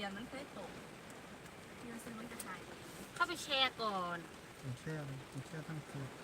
ยญมันเคยตกที่เราซื้อมันจะหายเข้าไปแชร์ก่อนผมแช่ทั้งคืน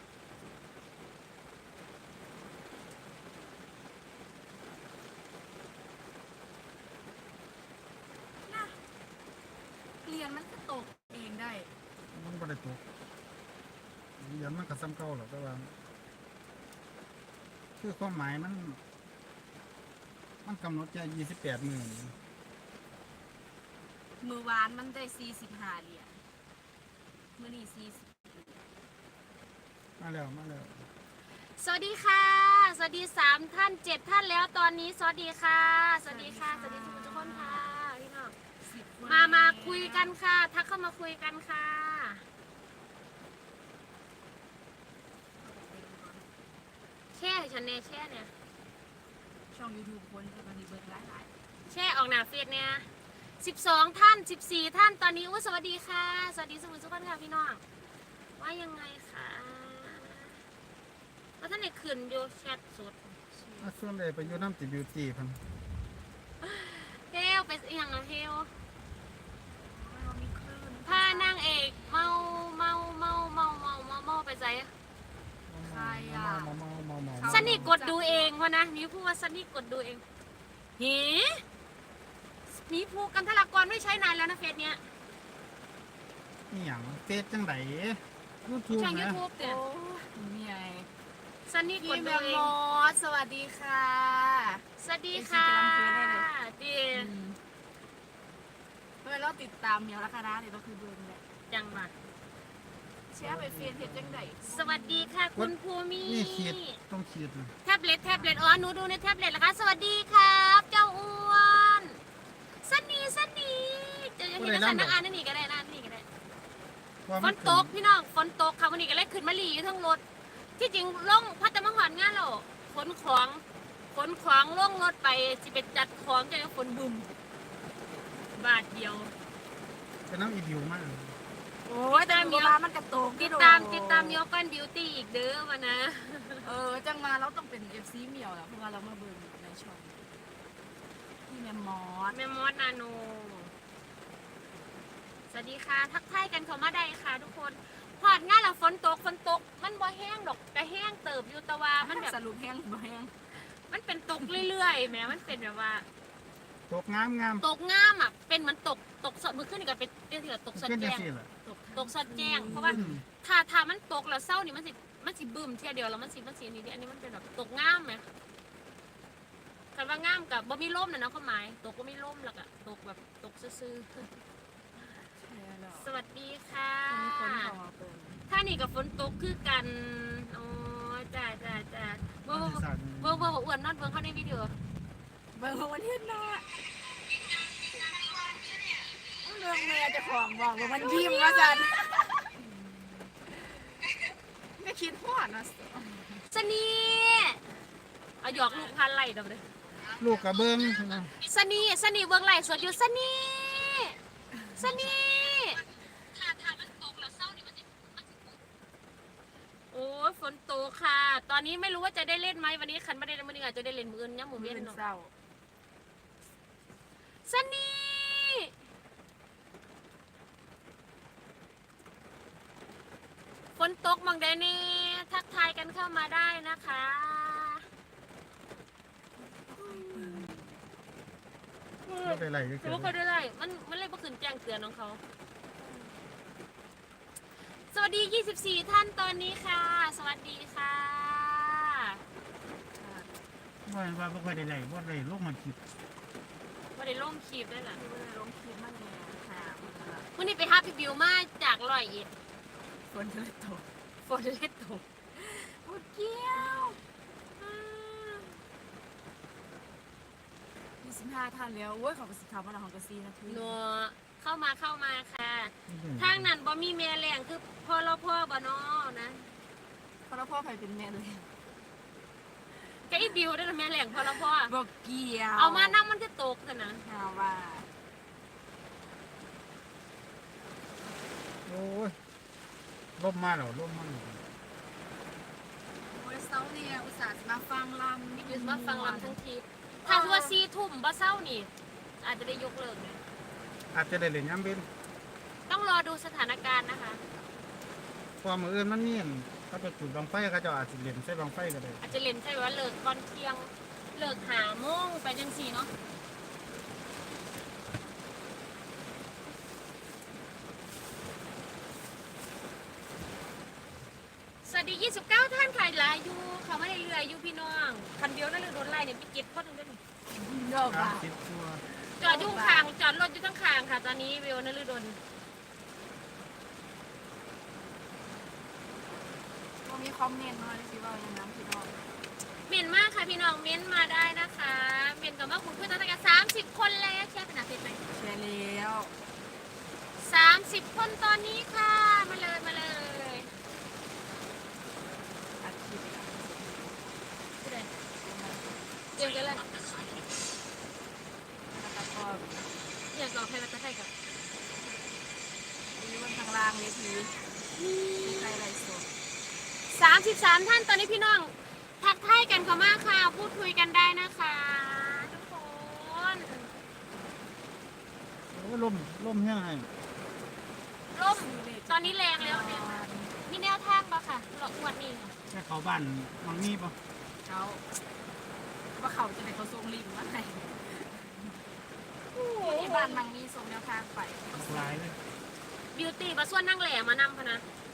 นะเหรียญมันก็ตกเองได้มันบ่ได้ตกเหรียญมันก็ซ้ำเก่าหรอกแต่ว่าคือความหมายมันกำหนดแค่28 มื้อมือวานมันได้45เหรียญมื้อนี้40 มาแล้วสวัสดีค่ะ สวัสดี3 ท่าน 7 ท่านแล้วตอนนี้สวัสดีค่ะสวัสดีค่ะสวัสดีทุกคนค่ะพี่น้องมาคุยกันค่ะทักเข้ามาคุยกันค่ะแช่ฉันเนี่ยแช่เนี่ยช่อง YouTube คนที่มันมีเบิ่งหลายแช่ออกหน้าเฟซเนี่ย12 ท่าน 14 ท่านตอนนี้สวัสดีค่ะสวัสดีสมุทรสุพรรณค่ะพี่น้องว่ายังไงคะว่าท่านไหนขืนอยู่แชทสดส่วนใดไปอยู่น้ำติบิวตี้พันเฮลไปอีหยังอะเฮลๆเรามีคลื่นพานางเอกเมาไปใจใครอ่ะเมาซันนี่กดดูเองวะนะมีผู้ว่าซันนี่กดดูเองหีมีผู้กันทลากรไม่ใช้นานแล้วนะเฟซเนี้ยนี่หยังเฟซจังได YouTube ช่องนะ YouTube เนี่ยโอ้มีไงซันนี่กพี่ดแมดูมเอมงอสสวัสดีค่ะสวัสดีค่ะดีเมื่อเราติดตามเมียวราคานะเดี๋ยวเราคือเบิ่งแหละจังมาแชร์ไปเฟซเฮ็ดจังไดสวัสดีค่ะคุณภูมินี่ขีดต้องขีดนะแท็บเล็ตอ๋อหนูดูในแท็บเล็ตแล้วคะสวัสดีครับเจ้าอ้วนซันนี่จะเห็นสันนักอ่านนี่ก็ได้นะนี่ก็ได้ว่าฝมันตกพี่น้องฝนตกค่ะวันนี้ก็เลยขึ้นมาหลีอยู่ทั้งรถที่จริงลงพัดมาหอนงานเราขนของลงรถไปสิไปจัดของจะฝนบึมบาทเดียวเป็นน้ำอีดิวมากโอ้ยแต่เมียมันกระตกติดตามยอกันบิวตี้อีกเด้อมานะจังมาเราต้องเป็น FC เมียวแล้วเพราะว่าเรามาเบิ่งในช่องพี่แมมมอสแม่มอสนาโนสวัสดีค่ะทักทายกันเขามาได้ค่ะทุกคนพอดงานแล้วฝนตกมันบ่แห้งดอกแต่แห้งเติบอยู่แต่ว่ามันแบบสรุปแห้งหรือบ่แห้งมันเป็นตกเรื่อยๆแหม้มันเป็นแบบว่าตกงามตกงามอ่ะเป็นเหมือนตกสดมือขึ้นนี่ก็เป็นเถื่อตกสดขึ้นจัแจ้งงซี่ล่ะตกสดแจ้งเพราะว่าถ้ามันตกแล้วเศร้านี่มันสิบึ้มเที่ยเดียวแล้วมันสินี่เดียวอันนี้มันเป็นแบบตกงามไหมคำว่างามกับบ่มีร่มนะเนาะความหมายตกก็มีร่มแล้วก็ตกแบบตกซื่อๆสวัสดีค่ะมีคนเข้ามาเปิดถ้านี่กับฝนตกคือกันอ๋อจ้าบ่อ้วนนอนเบิ่งเขาในวิดีโอเบิ่งวันที่หน้าเรื่องแม่เจะของบอกว่ามันยิ้มว่าจันไม่คิดพอดนะสนีเอาหยอกลูกพันไหลเดี๋ยวเลยลูกกระเบิ้งนะสนีเบิ่งไหลสดอยู่สนีถ้ามันตกแล้วเศร้านี่มันสิโอ้ยฝนตกค่ะ ตอนนี้ไม่รู้ว่าจะได้เล่นไหมวันนี้คันไม่ได้เล่นวันนี้อาจจะได้เล่นมืออื่นย่ำหมูเป็เวียนนเนาะเศร้าสนีฝนตกมองได้นี่ทักทายกันเข้ามาได้นะคะไม่เป็นไรก็แต่คือว่าเขาได้มันเลยบ่ขึ้นแจ้งเตือนของเขา สวัสดี 24 ท่านตอนนี้ค่ะ สวัสดีค่ะว่าบ่ค่อยได้ไหลบ่ได้ลูกมันคิดวันนี้ล่มคีบได้หรอที่ว่าลงคลิปมันเนี่ยค่ะวันนี้ไปหาพี่บิวมาจากร้อยเอ็ดฝนเลยตกฝนเล็ดตกโอ้เกี้ยว25ท่านแล้วโอ้ยขอบคุณสิครับว่าเราของกระซีนะพี่หนัวเข้ามาค่ะ ทางนั้นบ่มีแม่แรงคือพ่อเราพ่อบ่นอนะเพราะเราพ่อใครเป็นแม่เลยแกอีบิวได้ละแม่แรงพ่อเราพ่อบอกเกี่ยวเอามานั่งมันจะตกกันนะเอาว่าโอ้ยล่มมาแล้วล่มมาแล้วโอ้ยเซาเนี่ยอุตส่าห์มาฟังลำยืนมาฟังลำทั้งทีถ้าว่า4 ทุ่มบ่เศร้านี่ อาจจะได้ยกเลิกเลยเอาจจะได้เล่นย้ำเว้นต้องรอดูสถานการณ์นะคะเพอมืออื่นมันมีอันเขาไปจุดบังไฟเขาเจะอาจจะเล่นใส่บังไฟก็ได้อาจจะเล่นใช่ว่าเลิกก่อนเที่ยงเลิกหาโมงไปจังสี่เนาะสวัสดี 29 ท่านค่ะหลายอยู่เขาไม่ได้เรืออยู่พี่น้องคันเดียวนั่นเลยโดนไล่เนี่ยไปเก็บคนหนึงด้วยนี่เยอะมากคิดตัวจอดอยู่ข้างจอดรถอยู่ทั้งข้างค่ะ ตอนนี้วิวนฤดลก็มีคอมเมนต์มาเลยสิว่าอย่างนั้นพี่น้องเมียนมากค่ะพี่น้องเมียนมาได้นะคะเมียนกับว่าคุณเพื่อนตั้งแต่30 คนแล้วแชร์เป็นอาทิตย์ไหมแชร์แล้ว 30 คนตอนนี้ค่ะมาเลยมาเลยอัดคลิปอะผู้ใดเดี๋ยวกันเลยแล้วก็อยากรอใครมาจะใครกับมีบนทางล่างเวทีมีใครไลฟ์สด 33 ท่านตอนนี้พี่น้องทักทายกันก็มากค่ะพูดคุยกันได้นะคะทุกคนโอ้ล่มแห้งให้ร่มตอนนี้แรงแล้วเนี่ยมีแนวทางปะค่ะหลอกงวดนี้ค่ะแค่เขาบ้านมันมีปะเขาว่าเขาจะให้เขาส่งลิงก์มาให้ที่บ้านมังมีส่งแนวทางไปหลายเลยบิวตี้มาส่วนนั่งแหล่มานำพะนะ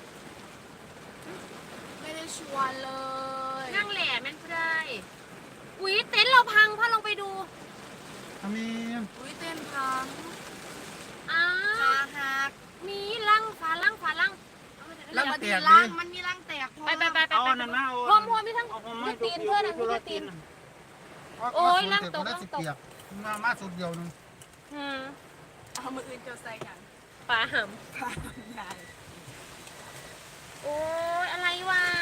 ไม่ได้ชวนเลยนั่งแหล่แม่นเพื่อนอุ๊ยเต็นท์เราพังพ่อลองไปดูทำมีอุ้ยเต้นพังอ้าขาว หักมีลังฝาลังฝาลังแล้วมันมีร่างมันมีร่างแตกพอไปไปไปไปเอาไปนั่นมาเอาพวมมีทั้งมีตีนเพื่อนมีตีน โอ้ยร่างตกร่าร่าง งตตกกมาสุดเดียวนึงเอามืออื่นเจะใส่กันปลาหผ่านใหญ่ำโอ้ยอะไรวะ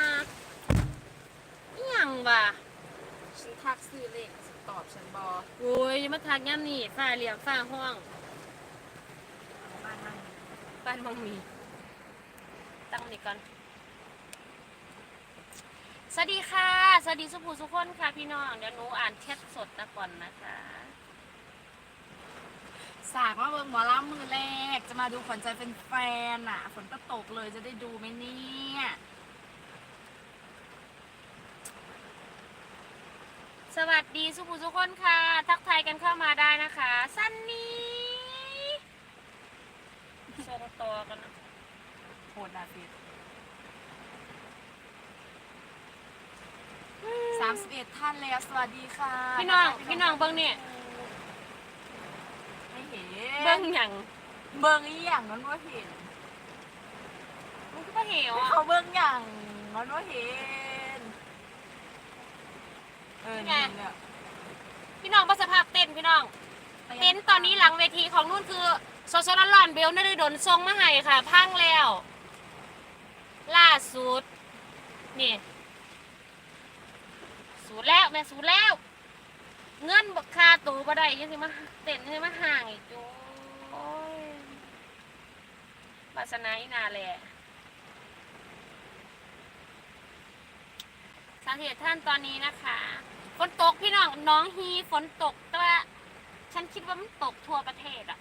อหย่างวะฉันทักซื้อเลขตอบฉันบอโอ้ยมาทักย่ำนี่ฝ้าเหลี่ยมฝ้าห้องบ้านนั่งบ้านมังมีตั้งนี่ก่อนสวัสดีค่ะสวัสดีสุภูสุคนค่ะพี่น้องเดี๋ยวหนูอ่านแชทสดนะก่อนนะคะสากมาเบิ่งหมอลำมือแรก จะมาดูขวัญใจเป็นแฟนอ่ะฝนก็ตกเลยจะได้ดูไหมเนี่ยสวัสดีสุภูสุคนค่ะ ทักทายกันเข้ามาได้นะคะซันนี่ส่งต่อกันนะโหดดาฟิด31 ท่านแล้วสวัสดีค่ะพี่น้องเบิ้งเนี่ยไม่เห็นเบิ้งหยังเบิ่งอีหยังนั้นว่าเห็นมันก็เหวอ่ะเขาเบิ่งอย่างนั้นว่าเห็นนี่แหละพี่น้องประสภาพเต้นพี่น้องเต้นตอนนี้หลังเวทีของนู่นคือโซโซลอนเบลนฤดลทรงมาให้ค่ะ พังแล้ว ล่าสุดนี่สูดแล้วแม่สูดแล้ว เงินบักคาตูบ่ได้ยังสิมาเต้นยังสิมาห่างอีกจูโอ้ยวาสนาอีนาแหละสาเหตุท่านตอนนี้นะคะฝนตกพี่น้องฮีฝนตกแต่ว่าฉันคิดว่ามันตกทั่วประเทศอะ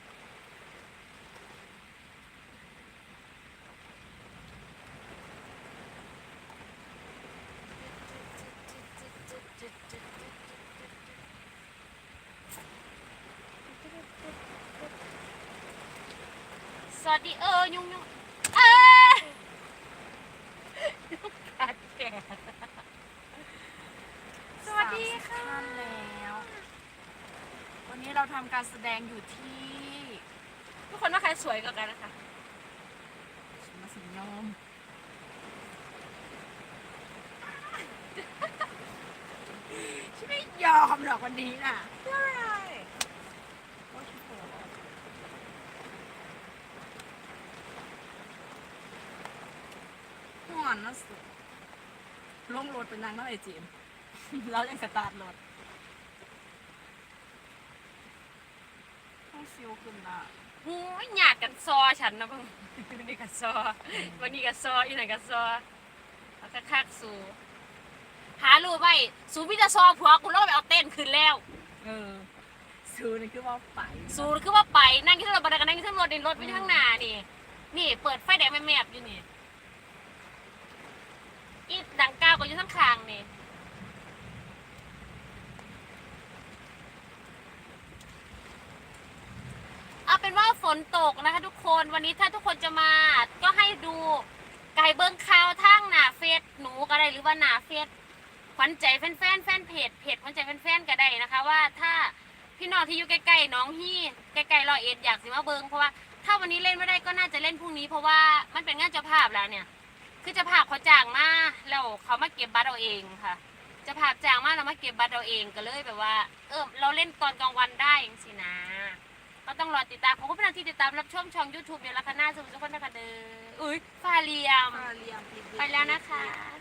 สวัสดียุงยุงกัดแกสวัสดีค่ะท่านแล้ว วันนี้เราทำการแสดงอยู่ที่ทุกคนว่าใครสวยกว่ากันนะคะมาสิยอมฉันไม่ยอมหรอกวันนี้น่ะใช่โอ้ยฉันปวดห่อนนะสุดลงรถเป็นนางน้อยไอจีม แล้วยังสตาร์ทรถต้องซิลขึ้นน่ะหูยหยาดกันซอฉันนะเพิ่งวันนี้กันซอวันนี้กันซออีไหนกันซอแล้วก็คักสูหารู้ไหมสูพี่จะซอผัวกูแล้วไปเอาเต้นคืนแล้วเออซูนี่คือว่าไปสูนคือว่าไปนั่งที่รถบันไดกันนั่งที่รถดินรถไปทางหน้านี่นี่เปิดไฟแดงแมบๆอยู่นี่อีดังก้าวก็อยู่ข้างคางนี่เอาเป็นว่าฝนตกนะคะทุกคนวันนี้ถ้าทุกคนจะมาก็ให้ดูไก่เบิ้งข่าวทางหน้าเฟซหนูก็ได้หรือว่าหน้าเฟซขวัญใจแฟนเพจขวัญใจแฟนก็ได้นะคะว่าถ้าพี่น้องที่อยู่ใกล้ๆน้องฮี่ใกล้ๆ101อยากสิมาเบิ้งเพราะว่าถ้าวันนี้เล่นไม่ได้ก็น่าจะเล่นพรุ่งนี้เพราะว่ามันเป็นงานเจ้าภาพแล้วเนี่ยคือเจ้าภาพเขาจ้างมาแล้วเขามาเก็บบัตรเอาเองค่ะเจ้าภาพจ้างมาเรามาเก็บบัตรเอาเองก็เลยแบบว่าเราเล่นตอนกลางวันได้เองสินะก็ต้องรอติดตามผมก็เป็นที่ติดตามรับชมช่อง YouTube เดี๋ยวละคณะสุขทุกคนนะคะเด้ออุ้ยฟาเลียมมาเรียมไปแล้วนะคะ